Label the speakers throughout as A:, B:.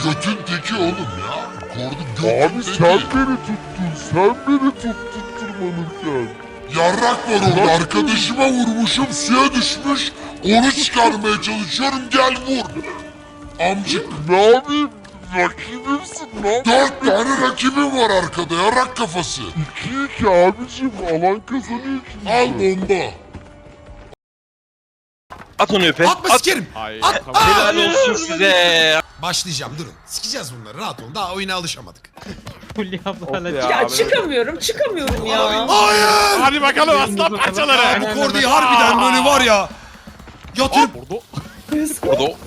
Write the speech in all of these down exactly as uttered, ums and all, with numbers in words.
A: götün teki oğlum ya. Kordu götün
B: Abi
A: teki.
B: sen beni tuttun, sen beni tuttun tırmanırken.
A: Yarrak var orada, arkadaşıma vurmuşum, suya düşmüş. Onu çıkarmaya çalışıyorum, gel vur. Amcık.
B: Ne yapayım? Rakibimsin, ne yapayım?
A: Dört tane rakibim var arkada, yarrak kafası.
B: İki iki abicim, alan kazanıyor ki.
A: Al bomba.
C: At onu öpe.
D: Atma
C: At.
D: sikerim.
B: Hayır,
D: At.
B: tamam.
C: Helal olsun size.
D: Başlayacağım durun. Sikeceğiz bunları rahat olun. Daha oyuna alışamadık.
E: Fulya ablayla
B: ya.
F: Ya çıkamıyorum, çıkamıyorum ya.
D: Hayır.
B: Hadi bakalım aslan parçaları.
D: Bu kordiyi harbiden böyle var ya. Yatırıp.
B: Orada
C: Orada o-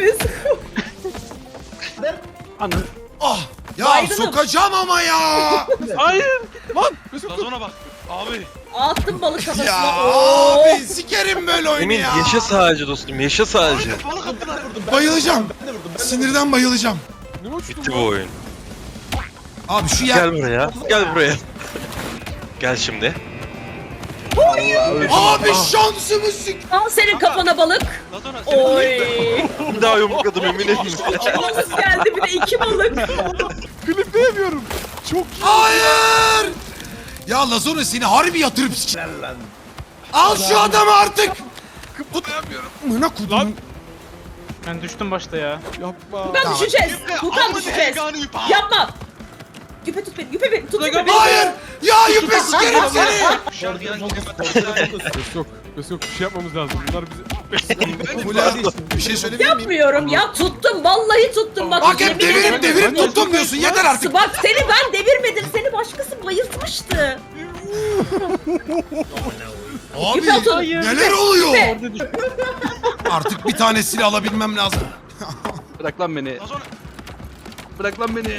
E: Anı.
D: Ah. Ya
F: Baygınım.
D: sokacağım ama ya.
E: Hayır.
C: Lazona bak. Abi.
F: Attım balık kafasına.
D: Ya
F: Oo.
D: abi sikerim böyle oyunu
C: Emin
D: ya.
C: yaşa sadece dostum, yaşa sadece.
D: Bayılacağım. Sinirden bayılacağım.
C: Bitti bu oyun.
D: Abi şu yer.
C: Gel buraya, gel buraya. Gel şimdi.
D: Abi şansımı sik.
F: Al senin kafana balık. Oy.
C: Bir daha yumrukladım Emin'e.
F: Nasıl geldi bir de iki balık.
B: klipte yapıyorum. Çok iyi.
D: Hayır. Ya Lazona seni harbi yatırıp sik. Al şu adamı artık. Kıpırdayamıyorum. Mına kudum.
E: Ben düştüm başta ya.
B: Yapma.
F: Furkan düşeceğiz. Furkan düşeceğiz. Yapma. Yüpe tut beni, yüpe beni, tut yüpe beni.
D: Hayır. Ya yüpe sikerim seni.
B: Göz yok. Göz yok. Bir şey yapmamız lazım. Bunlar bizi...
D: Fulya bir şey söyleyebilir miyim?
F: Yapmıyorum ya, tuttum, vallahi tuttum. Bak,
D: Bak hep
F: yemin
D: devirip
F: ederim.
D: devirip tuttum diyorsun. Yeter artık.
F: Bak seni ben devirmedim, seni başkası bayıltmıştı.
D: Abi
F: Yüpe atın.
D: neler oluyor?
F: Yüpe.
D: Artık bir tanesini alabilmem lazım.
E: Bırak lan beni. Bırak lan beni.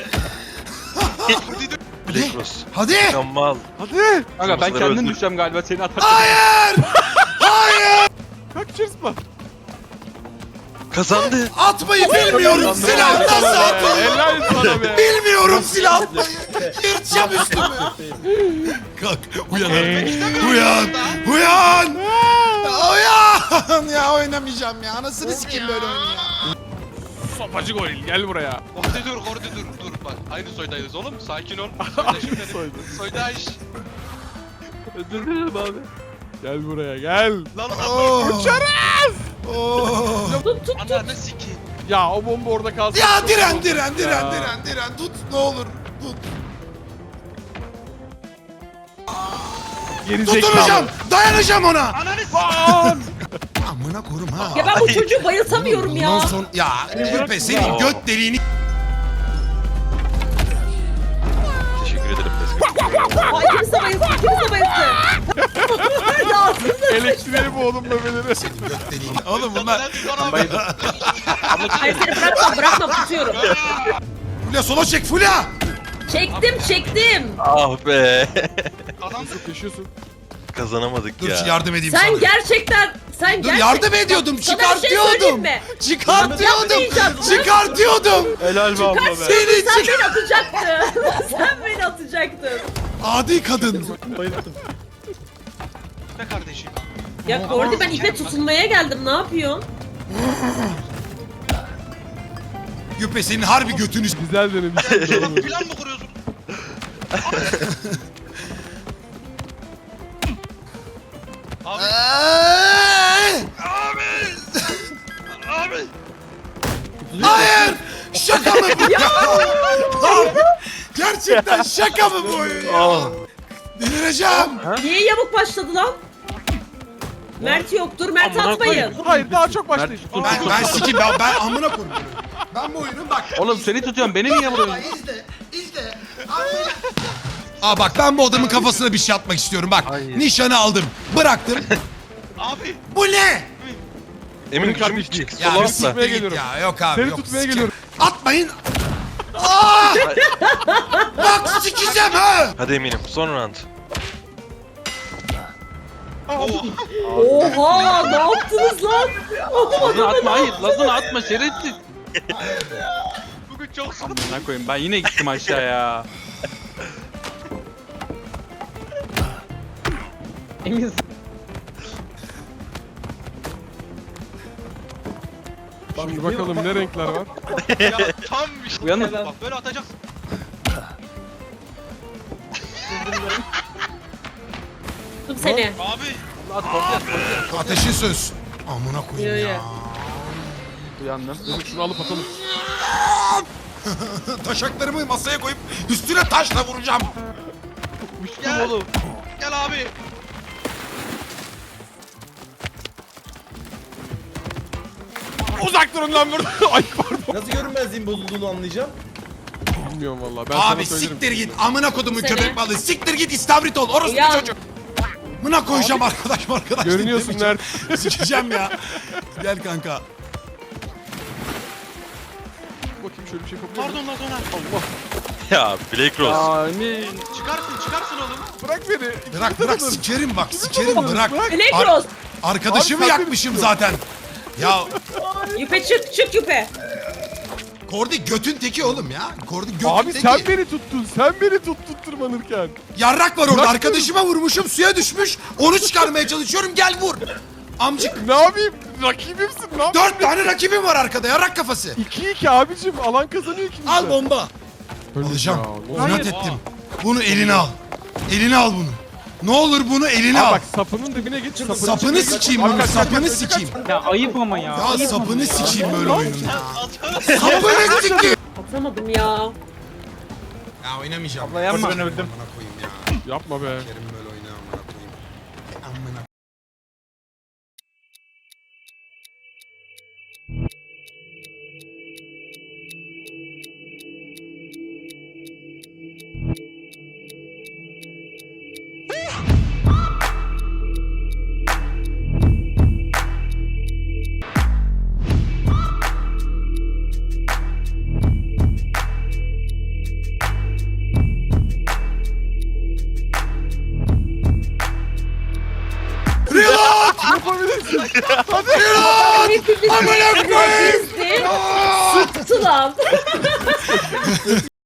C: Black Rose.
D: Hadi.
C: Mükemmel.
B: Hadi.
E: Kanka ben
C: Kızları
E: kendim
C: öldür.
E: düşeceğim galiba seni atarken.
D: Hayır. Hayır.
B: Kalk çırpma.
C: Kazandı.
D: Atmayı bilmiyorum. Silah nasıl atılır?
B: Helal sana be.
D: Bilmiyorum silah atmayı. Yırtacağım üstümü. Kalk uyan artık. Uyan. Uyan. Uyan. Ya oynamayacağım ya. Anasını sikeyim böyle oyunu ya.
B: Sopacı goril gel buraya.
G: Orada dur, orada dur, dur bak. Aynı soydayız oğlum, sakin ol. Soydaşım benim.
B: Soydu.
G: Soydaş.
B: Özür dilerim abi. Gel buraya gel.
G: Lan
D: Oh.
B: Uçarız.
D: Oh.
F: Tut, tut, tut.
G: ananı sikeyim.
B: Ya o bomba orada kalsın.
D: Ya
B: Çok
D: diren
B: oldu.
D: diren diren
B: Ya.
D: diren diren. Tut ne olur. Tut.
B: Gerizekalı.
D: Tutunacağım. Dayanacağım ona.
G: Ananı
B: Lan.
D: Amına korum ha.
F: Ya ben bu çocuğu bayıltamıyorum
D: Bundan
F: ya.
D: son ya Yüpe senin göt deliğini
C: Teşekkür ederim.
F: Ay kimse bayılsın, kimse bayılsın. Dağıtsın.
B: Elektriği bu oğlum bebeleri.
D: göt deliğini. Oğlum bunlar.
F: Hayır seni bırakmam, bırakmam, tutuyorum.
D: Fulya sola çek Fulya.
F: Çektim, çektim.
C: Ah be.
B: Çok yaşıyorsun.
C: Kazanamadık
D: Dur
C: ya.
D: şu yardım edeyim
F: Sen
D: sana.
F: gerçekten, sen
D: Dur
F: gerçekten...
D: yardım ediyordum
F: Sana bir şey söyleyeyim
D: çıkartıyordum.
F: mi?
D: Çıkartıyordum.
F: Yapmayacaksın.
D: Çıkartıyordum.
B: Helal be abla be.
D: Seni
F: Sen
D: çık.
F: beni atacaktın. Sen beni atacaktın.
D: Adi kadın.
G: be kardeşim.
F: Ya Kordi ben ipe tutunmaya geldim, ne yapıyorsun?
D: Yüpe senin harbi götünü.
B: Güzel denemiş.
G: Plan mı kuruyorsun? Abi,
D: Abi.
G: abi.
D: Hayır. Şaka mı bu? Abi, gerçekten şaka mı bu oyun ya?
C: Ah.
D: Delireceğim.
F: Niye yamuk başladı lan? Mert yoktur, Mert
C: Amına
F: atmayın.
B: Hayır daha çok başlayın.
E: Mert,
D: Ben ben sikeyim ben, ben amına koyayım. Ben bu oyunu bak.
E: Oğlum seni tutuyorum beni niye vuruyorsun?
D: İzle, izle. Aa bak ben bu adamın kafasına bir şey atmak istiyorum bak.
C: Hayır.
D: Nişanı aldım. Bıraktım.
G: Abi.
D: Bu ne?
C: Emin
B: Kardeşim,
C: gücüm çık.
D: Ya
C: Sola
D: bir
C: atla.
D: siktir git
B: geliyorum.
D: ya. Yok abi
B: Seni
D: yok.
B: tutmaya
D: Sike-
B: geliyorum.
D: Atmayın. Aa! Bak sikeceğim ha.
C: Hadi Emin'im son round.
F: Oha, ne yaptınız lan?
E: Lazını atma hayır. Lazını atma şerefsiz.
G: Bugün çok sıkıntı.
E: Amına koyayım ben yine gittim aşağıya. Emin
B: Şimdi bakalım ne renkler var.
G: Ya tam işte.
E: Uyanın.
G: Bak böyle atacaksın.
F: Tuttum seni.
G: Abi.
E: At korkuyor korkuyor.
D: Ateşin söz. Amına koyayım
F: Yo,
D: ya.
F: yo.
E: Uyandım.
B: Dur şunu alıp atalım.
D: Taşaklarımı masaya koyup üstüne taşla vuracağım.
E: Uçtum
G: Gel.
E: oğlum.
G: Gel abi.
B: Uzak durun lan burada. Ay pardon.
H: Nasıl görünmezliğin bozulduğunu anlayacağım?
B: Bilmiyorum valla. Ben
D: Abi
B: sana söylerim.
D: siktir git. Amına kodumun
F: Seni.
D: köpek balığı. Siktir git istavrit ol. Orası
F: Uyan.
D: bir çocuk. Amına koyacağım arkadaş arkadaş.
B: Görünüyorsun
D: demeyeceğim.
B: nerede?
D: Sikeceğim ya. Gel kanka.
B: Bakayım şöyle bir şey yapabilir miyim?
G: Pardon lan Soner.
B: Allah.
C: Ya Black Rose.
E: Amin.
G: Çıkarsın çıkarsın oğlum.
B: Bırak beni.
D: Bırak bırak sikerim bak sikerim bırak.
F: Black
D: Ar-
F: Rose.
D: Arkadaşımı
B: Abi sen
D: yakmışım
B: beni
D: zaten. Ya
F: Yüpe çık çık yüpe.
D: Kordi götün teki oğlum ya. Kordi götün
B: Abi
D: teki.
B: sen beni tuttun. Sen beni tuttun tırmanırken.
D: Yarrak var orada.
B: Bırak
D: Arkadaşıma vurmuşum suya düşmüş. Onu çıkarmaya çalışıyorum gel vur. Amcık.
B: Ne yapayım? Rakibimsin. Ne yapayım?
D: Dört tane rakibim var arkada yarrak kafası.
B: iki iki abicim. Alan kazanıyor ikimiz de.
D: Al bomba.
B: Öldük
D: Alacağım.
B: ya, ne oldu?
D: İnat ettim. Bunu eline al. Eline al bunu. Ne olur bunu eline
B: Aa,
D: al.
B: bak sapının dibine git. Sapının
D: Sapını
B: içine git.
D: sikeyim
B: Bak,
D: bunu.
B: kaç, kaç,
D: Sapını
B: kaç, kaç,
D: sikeyim.
E: Ya ayıp ama ya.
D: Ya sapını sikeyim böyle oyunun ya.
G: Atarım.
D: Sapını sikeyim.
F: Atamadım ya.
D: Ya oynamayacağım.
E: Abla yanma.
D: Ben öldüm. Amına koyayım ya.
B: Yapma be.
D: Kerim böyle oyna amına koyayım. Amına.
B: Yapabilirsin.
F: Hepimiz
D: Amına koyayım.
F: Sıktı lan.